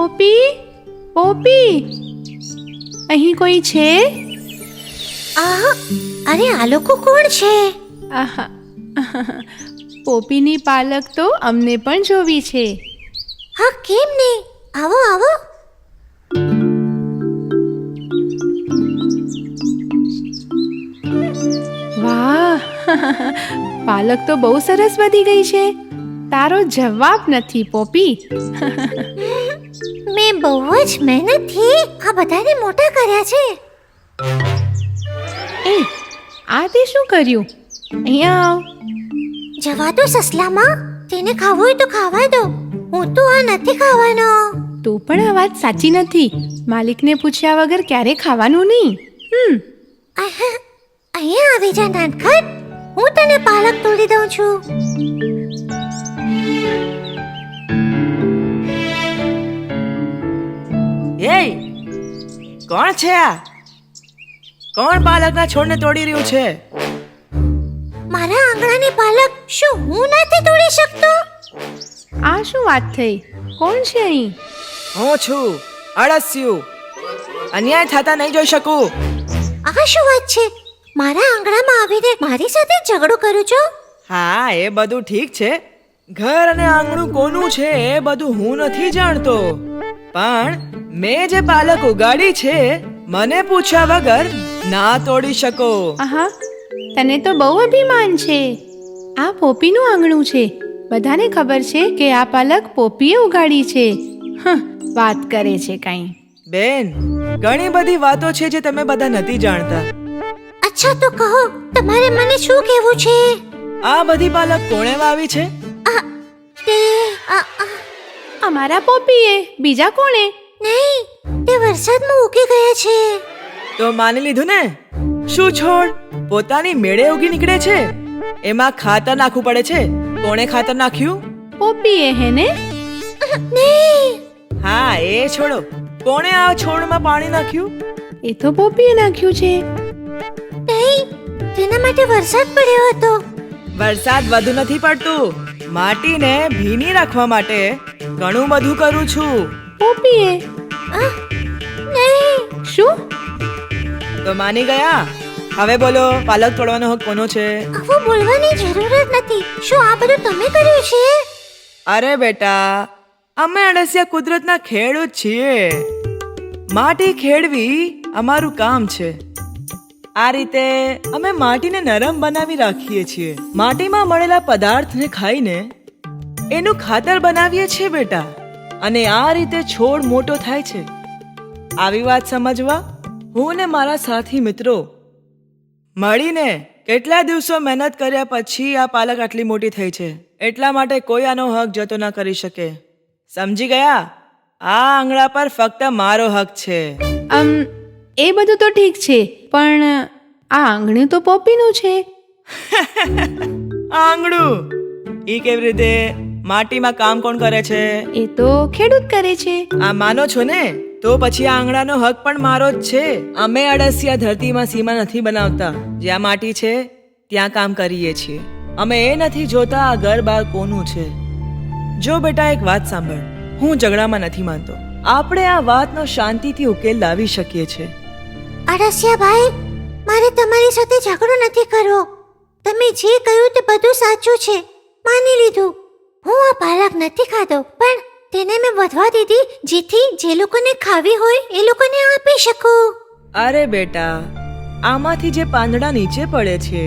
Poppy, poppy, અહીં કોઈ છે? અરે આ લોકો કોણ છે? આહા, પોપીની પાલક તો અમને પણ જોવી છે. હા, કેમ નહીં, આવો આવો. વાહ, પાલક તો બહુ સરસ વધી ગઈ છે. તારો જવાબ નથી પોપી. મેં બહુ જ મહેનતથી આ બધાને મોટા કર્યા છે. એ આ તે શું કર્યું? અહીંયા આવ. જવા દો સસલામાં, તેને ખાવું હોય તો ખાવા દો. હું તો આ નથી ખાવાનો. તું પણ આ વાત સાચી નથી. માલિકને પૂછ્યા વગર ક્યારે ખાવાનું નહીં. અહીંયા આવી જા નાનખટ, હું તને પાલક તોડી દઉં છું. એ કોણ છે આ? કોણ પાલકના છોડને તોડી રહ્યું છે? મારા આંગણાની પાલક શું હું નથી તોડી શકતો? આ શું વાત થઈ? કોણ છે અહીં? હું છું અળસિયું. અન્યાય થતા નહીં જોઈ શકું. આ શું વાત છે? મારા આંગણામાં આવીને મારી સાથે ઝઘડો કરું છો? હા, એ બધું ઠીક છે. ઘર અને આંગણું કોનું છે એ બધું હું નથી જાણતો, પણ મેં જે પાલક ઉગાડી છે મને પૂછ્યા વગર ના તોડી શકો. આહા, તને તો બહુ અભિમાન છે. આ પોપીનું આંગણું છે. બધાને ખબર છે કે આ પાલક પોપીએ ઉગાડી છે. વાત કરે છે કાંઈ. બેન, ઘણી બધી વાતો છે જે તમે બધા નથી જાણતા. અચ્છા તો કહો, તમારે મને શું કહેવું છે? આ બધી પાલક કોણે વાવી છે? તે અમારા પોપીએ, બીજા કોણે? નહીં, તે વરસાદમાં ઉગી ગયા છે. તો માની લીધું ને. શું છોડ પોતાની મેળે ઉગી નીકળે છે? એમાં ખાતર નાખવું પડે છે. કોણે ખાતર નાખ્યું? પોપીએ હે ને? નહીં, હા, એ છોડો. કોણે આ છોડમાં પાણી નાખ્યું? એ તો પોપીએ નાખ્યું છે. નહીં, તેના માટે વરસાદ પડ્યો હતો. વરસાદ વધુ નથી પડતું. માટીને ભીની રાખવા માટે ઘણું બધું કરું છું. પોપીએ નહીં, શું? તો માની ગયા? હવે બોલો, પાલક તોડવાનો હક કોનો છે? આવું બોલવાની જરૂર જ નથી. શું આ બધું તમે કર્યું છે? અરે બેટા, અમે અળસિયા કુદરતના ખેડૂત છીએ. માટી ખેડવી અમારું કામ છે. આ રીતે અમે માટીને નરમ બનાવી રાખીએ છીએ. માટીમાં મળેલા પદાર્થને ખાઈને એનું ખાતર બનાવીએ છીએ બેટા, અને આ રીતે છોડ મોટો થાય છે. આવી વાત સમજવા હું ને મારા સાથી મિત્રો મળીને કેટલા દિવસો મહેનત કર્યા પછી આ પાલક આટલી મોટી થઈ છે. એટલા માટે કોઈ આનો હક જતો ન કરી શકે. સમજી ગયા? આ આંગણા પર ફક્ત મારો હક છે. એ બધું તો ઠીક છે, પણ આ આંગણું તો પોપીનું છે. આંગણું ઈ કેવી રીતે? માટીમાં કામ કોણ કરે છે? એ તો ખેડૂત કરે છે. આ માનો છો ને? તો પછી આ આંગણાનો હક પણ મારો જ છે. અમે અળસિયા ધરતીમાં સીમા નથી બનાવતા. જ્યાં માટી છે ત્યાં કામ કરીએ છીએ. અમે એ નથી જોતા આ ઘર બાર કોનું છે. જો બેટા, એક વાત સાંભળ. હું ઝઘડામાં નથી માનતો. આપણે આ વાતનો શાંતિથી ઉકેલ લાવી શકીએ છીએ. અળસિયા ભાઈ, મારે તમારી સાથે ઝઘડો નથી કરવો. તમે જે કહ્યું તે બધું સાચું છે, માની લીધું. હું આ પાલક નથી ખાધો, પણ તેને મેં વધવા દીધી જેથી જે લોકોને ખાવી હોય એ લોકોને આપી શકું. અરે બેટા, આમાંથી જે પાંદડા નીચે પડે છે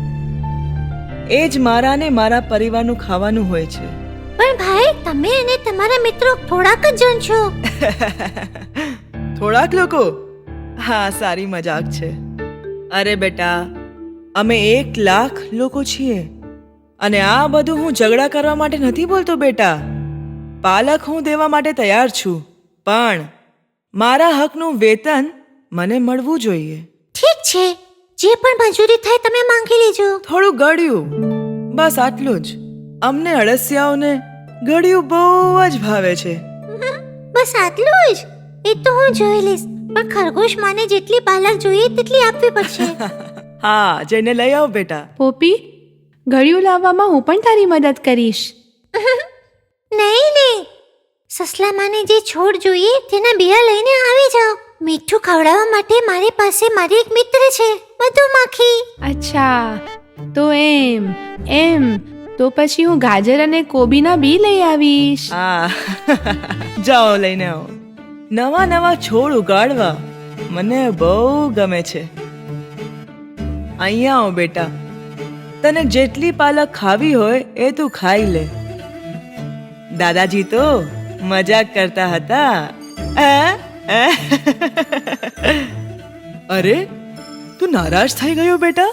એ જ મારા ને મારા પરિવારનું ખાવાનું હોય છે. પણ ભાઈ, તમે અને તમારા મિત્રો થોડાક જ જણ છો. થોડાક લોકો? હા, સારી મજાક છે. અરે બેટા, અમે 1 લાખ લોકો છીએ. અને આ બધું હું ઝઘડા કરવા માટે નથી બોલતો બેટા. પાલક હું દેવા માટે તૈયાર છું, પણ મારા હકનું વેતન મને મળવું જોઈએ. ઠીક છે, જે પણ મંજૂરી થાય તમે માંગી લેજો. થોડું ગળ્યું, બસ આટલું જ. અમને અળસિયાઓને ગળ્યું બહુ જ ભાવે છે. બસ આટલું જ? એ તો હું જોઈ લઈશ, પણ ખરગોશ માને જેટલી પાલક જોઈએ તેટલી આપવી પડશે. હા, જઈને લઈ આવ બેટા. પોપી, ગળ્યું લાવવામાં હું પણ તારી મદદ કરીશ. નહીં નહીં, સસલામાને જે છોડ જોઈએ તેના બિયા લઈને આવી જાઓ. મીઠું ખવડાવવા માટે મારી પાસે મારી એક મિત્ર છે, મધુમાખી. અચ્છા, તો એમ તો પછી હું ગાજર અને કોબીના બી લઈ આવીશ. જાઓ લઈને આવો. નવા નવા છોડ ઉગાડવા મને બહુ ગમે છે. અહીંયા આવો બેટા, તને જેટલી પાલક ખાવી હોય એ તું ખાઈ લે. દાદાજી તો મજાક કરતા હતા. અરે, તું નારાજ થઈ ગયો બેટા?